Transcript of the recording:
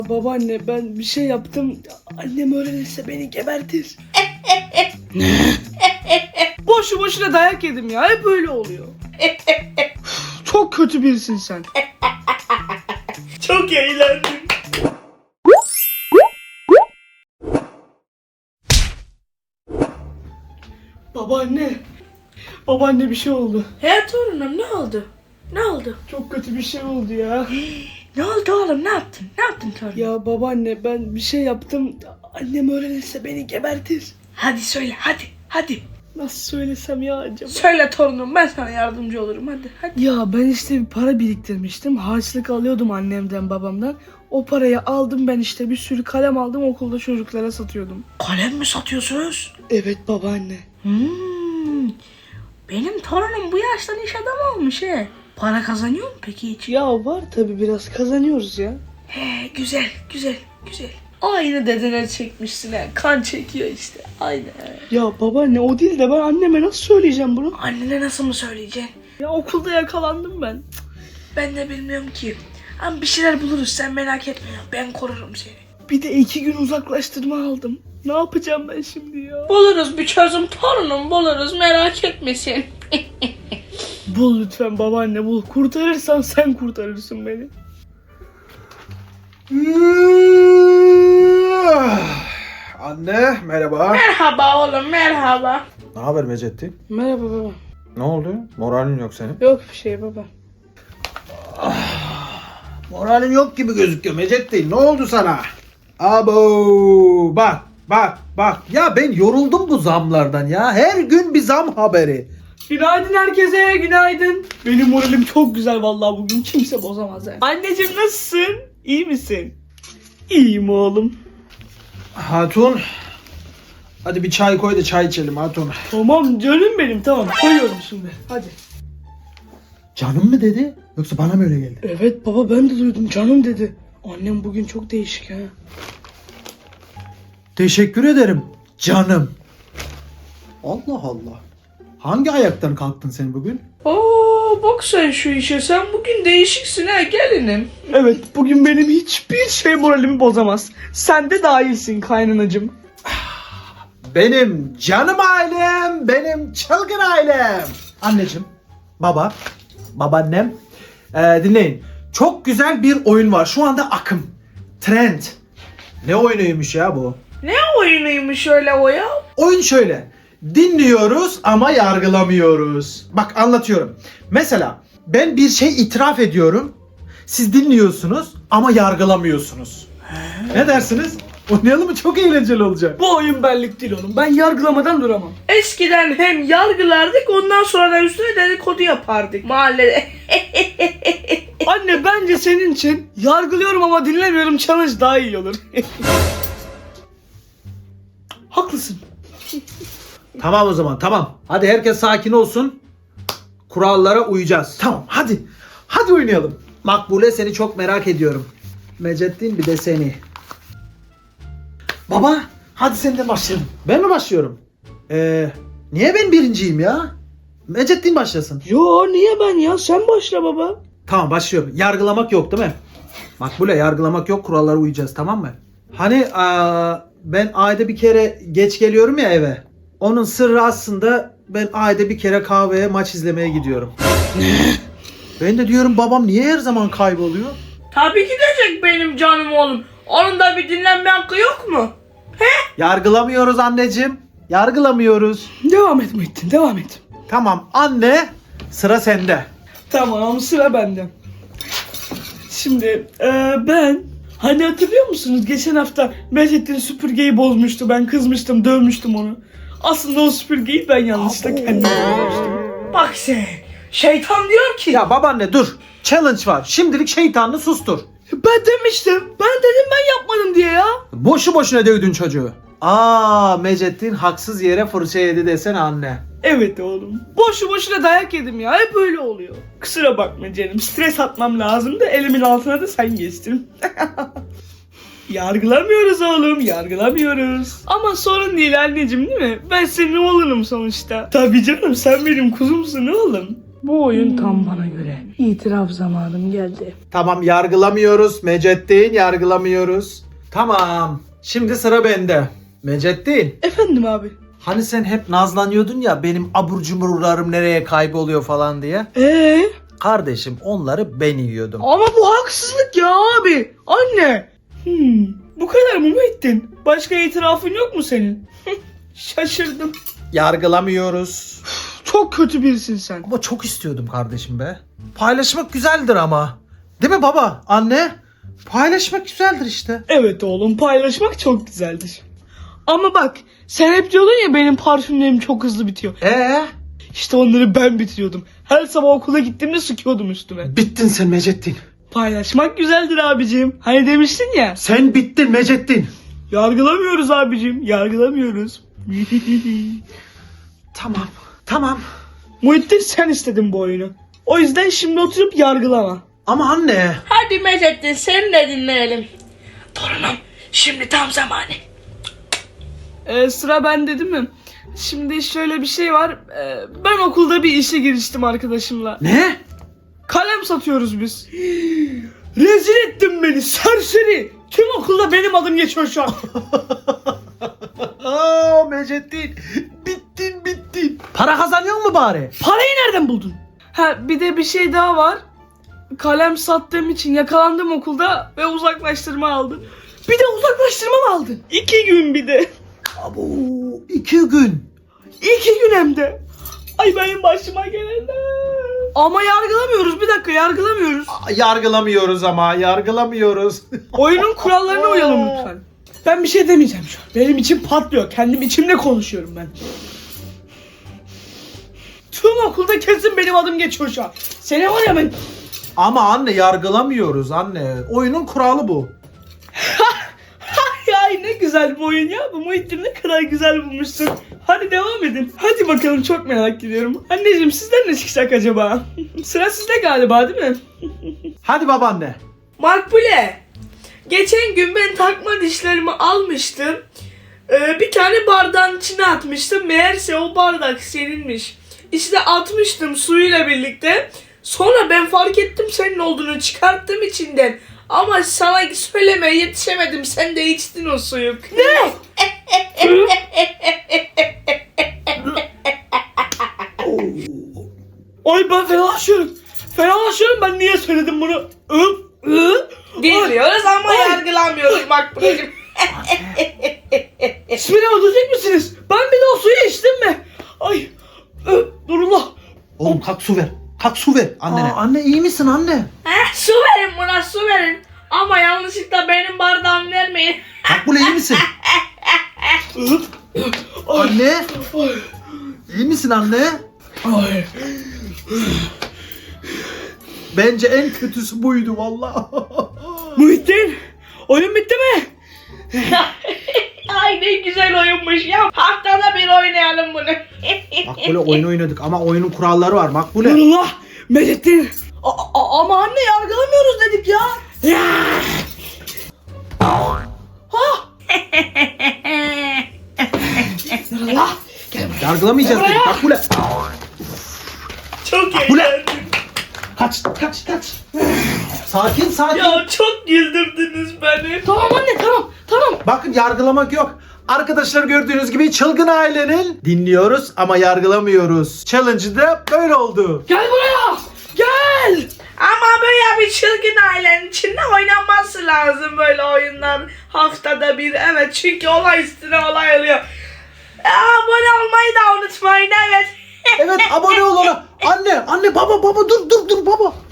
Babaanne ben bir şey yaptım. Annem öğrenirse beni gebertir. Boşu boşuna dayak yedim ya. Hep böyle oluyor. Çok kötü birisin sen. Çok eğlendim. Babaanne. Babaanne bir şey oldu. He torunum, ne oldu? Ne oldu? Çok kötü bir şey oldu ya. Ne oldu oğlum, ne yaptın? Ne yaptın torunum? Ya babaanne ben bir şey yaptım. Annem öğrenirse beni gebertir. Hadi söyle, hadi. Nasıl söylesem ya acaba? Söyle torunum, ben sana yardımcı olurum, hadi. Ya ben işte bir para biriktirmiştim. Harçlık alıyordum annemden babamdan. O parayı aldım ben işte bir sürü kalem aldım okulda çocuklara satıyordum. Kalem mi satıyorsunuz? Evet babaanne. Benim torunum bu yaştan iş adamı olmuş he. Para kazanıyor mu peki hiç? Ya var tabi biraz kazanıyoruz ya. He, güzel. Aynı dedene çekmişsin he. Kan çekiyor işte. Aynı. Ya babaanne o değil de ben anneme nasıl söyleyeceğim bunu? Annene nasıl mı söyleyeceksin? Ya okulda yakalandım ben. Ben de bilmiyorum ki. Ama bir şeyler buluruz, sen merak etme ya. Ben korurum seni. Bir de 2 gün uzaklaştırma aldım. Ne yapacağım ben şimdi ya? Buluruz bir çözüm torunum, buluruz, merak etmesin. Bul lütfen babaanne bul. Kurtarırsan sen kurtarırsın beni. Anne merhaba. Merhaba oğlum, merhaba. Ne haber Mecettin? Merhaba baba. Ne oldu? Moralin yok senin. Yok bir şey baba. Moralin yok gibi gözüküyor Mecettin. Ne oldu sana? Abo bak. Ya ben yoruldum bu zamlardan ya. Her gün bir zam haberi. Günaydın herkese, günaydın. Benim moralim çok güzel vallahi bugün kimse bozamaz yani. Anneciğim nasılsın? İyi misin? İyiyim oğlum. Hatun. Hadi bir çay koy da çay içelim Hatun. Tamam canım benim tamam koyuyorum şimdi hadi. Canım mı dedi? Yoksa bana mı öyle geldi? Evet baba ben de duydum canım dedi. Annem bugün çok değişik ha. Teşekkür ederim canım. Allah Allah. Hangi ayaktan kalktın sen bugün? Oo, bak sen şu işe, sen bugün değişiksin ha gelinim. Evet bugün benim hiçbir şey moralimi bozamaz. Sen de dahilsin kaynanacığım. Benim canım ailem, benim çılgın ailem. Anneciğim, babaannem. Dinleyin. Çok güzel bir oyun var. Şu anda akım. Trend. Ne oyunuymuş ya bu? Ne oyunuymuş öyle o ya? Oyun şöyle. Dinliyoruz ama yargılamıyoruz. Bak anlatıyorum. Mesela ben bir şey itiraf ediyorum. Siz dinliyorsunuz ama yargılamıyorsunuz. Ne dersiniz? Oynayalım mı? Çok eğlenceli olacak. Bu oyun benlik değil oğlum. Ben yargılamadan duramam. Eskiden hem yargılardık, ondan sonra da üstüne dedikodu yapardık mahallede. Anne bence senin için yargılıyorum ama dinlemiyorum challenge daha iyi olur. Haklısın. Tamam o zaman tamam. Hadi herkes sakin olsun. Kurallara uyacağız. Tamam hadi. Hadi oynayalım. Makbule seni çok merak ediyorum. Mecettin bir de seni. Baba hadi sen de başlayalım. Ben mi başlıyorum? Niye ben birinciyim ya? Mecettin başlasın. Yo niye ben ya? Sen başla baba. Tamam başlıyorum. Yargılamak yok değil mi? Makbule yargılamak yok, kurallara uyacağız tamam mı? Hani ben ayda bir kere geç geliyorum ya eve. Onun sırrı aslında ben ayda bir kere kahveye maç izlemeye gidiyorum. Ben de diyorum babam niye her zaman kayboluyor? Tabii gidecek benim canım oğlum. Onun da bir dinlenme hakkı yok mu? Yargılamıyoruz anneciğim. Yargılamıyoruz. Devam et Muhittin devam et. Tamam anne sıra sende. Tamam sıra bende. Şimdi ben hani hatırlıyor musunuz geçen hafta Mecettin süpürgeyi bozmuştu, ben kızmıştım, dövmüştüm onu. Aslında o süpürgeyi ben yanlışlıkla kendim bozmuştum. Bak sen, şeytan diyor ki. Ya babaanne dur. Challenge var. Şimdilik şeytanını sustur. Ben demiştim, ben dedim ben yapmadım diye ya. Boşu boşuna dövdün çocuğu. Mecettin haksız yere fırça yedi desene anne. Evet oğlum. Boşu boşuna dayak yedim ya. Hep öyle oluyor. Kusura bakma canım. Stres atmam lazım da elimin altına da sen geçtin. Yargılamıyoruz oğlum. Yargılamıyoruz. Ama sorun değil anneciğim değil mi? Ben senin oğlunum sonuçta. Tabii canım sen benim kuzumsun oğlum. Bu oyun tam bana göre. İtiraf zamanım geldi. Tamam, yargılamıyoruz Mecettin, yargılamıyoruz. Tamam, şimdi sıra bende. Mecettin, Efendim abi. hani sen hep nazlanıyordun ya benim abur cuburlarım nereye kayboluyor falan diye. Kardeşim, onları ben yiyordum. Ama bu haksızlık ya abi. Anne. Bu kadar mı Muhittin? Başka itirafın yok mu senin? Şaşırdım. Yargılamıyoruz. Çok kötü birisin sen. Ama çok istiyordum kardeşim be. Paylaşmak güzeldir ama. Değil mi baba, anne? Paylaşmak güzeldir işte. Evet oğlum, paylaşmak çok güzeldir. Ama bak, sen hep diyordun ya benim parfümlerim çok hızlı bitiyor. İşte onları ben bitiriyordum. Her sabah okula gittiğimde sıkıyordum üstüme. Bittin sen Mecettin. Paylaşmak güzeldir abicim. Hani demiştin ya. Sen bittin Mecettin. Yargılamıyoruz abicim. Yargılamıyoruz. Tamam. Tamam. Muhittin, sen istedin bu oyunu. O yüzden şimdi oturup yargılama. Ama anne. Hadi Mecettin, seni de dinleyelim. Torunum, şimdi tam zamanı. Sıra bende değil mi? Şimdi şöyle bir şey var. Ben okulda bir işe giriştim arkadaşımla. Ne? Kalem satıyoruz biz. Rezil ettin beni serseri. Tüm okulda benim adım geçiyor şu an. Aa Mecettin. Bittin. Para kazanıyor mu bari? Parayı nereden buldun? Ha, bir de bir şey daha var. Kalem sattığım için yakalandım okulda ve uzaklaştırma aldım. Bir de uzaklaştırma mı aldın? 2 gün bir de. Abo, 2 gün. 2 gün hem de. Ay benim başıma gelenler. Ama yargılamıyoruz, bir dakika, yargılamıyoruz. Yargılamıyoruz ama, yargılamıyoruz. Oyunun kurallarına uyalım lütfen. Ben bir şey demeyeceğim şu an. Benim içim patlıyor. Kendim içimle konuşuyorum ben. Tüm okulda kesin benim adım geçiyor şu an. Seni var ya ben... Ama anne, yargılamıyoruz anne. Oyunun kuralı bu. Ay ne güzel bu oyun ya. Bu Muhittin ne kadar güzel bulmuşsun. Hadi devam edin. Hadi bakalım, çok merak ediyorum. Anneciğim, sizden ne çıkacak acaba? Sıra sizde galiba değil mi? Hadi babaanne. Makbule, geçen gün ben takma dişlerimi almıştım. Bir tane bardağın içine atmıştım. Meğerse o bardak seninmiş. İşte atmıştım suyuyla birlikte. Sonra ben fark ettim senin olduğunu, çıkarttım içinden. Ama sana söylemeye yetişemedim. Sen de içtin o suyu. Ne? Ay ben fenalaşıyorum. Fenalaşıyorum, ben niye söyledim bunu? Bilmiyoruz ama Ay. yargılamıyoruz Makbule'cim. Siz beni öldürecek misiniz? Ben bir de o suyu içtim mi? Ay. Nurullah. Oğlum kalk su ver. Kalk su ver annene. Anne iyi misin anne? Su verin buna, su verin. Ama yanlışlıkla benim bardağımı vermeyin. Makbule iyi misin? Anne. İyi misin anne? Ay. Bence en kötüsü buydu vallahi. Muhittin. Oyun bitti mi? Ay ne güzel oyunmuş ya. Haftada bir oynayalım bunu. Makbule oyun oynadık ama oyunun kuralları var Makbule. Nurullah. Mecettin. Ama anne, yargılamıyoruz dedik ya. Nurullah. Yargılamayacağız dedik Makbule. Çok Makbule. eğlendim. Kaç. Sakin. Ya çok güldürdünüz beni. Tamam anne, tamam. Bakın, yargılamak yok. Arkadaşlar, gördüğünüz gibi çılgın ailenin dinliyoruz ama yargılamıyoruz. Challenge'ı da böyle oldu. Gel buraya. Gel. Ama böyle bir çılgın ailenin içinde oynanması lazım böyle oyunlar. Haftada bir, evet, çünkü olay üstüne olay oluyor. Abone olmayı da unutmayın, evet. Evet, abone ol ona. Anne baba dur baba.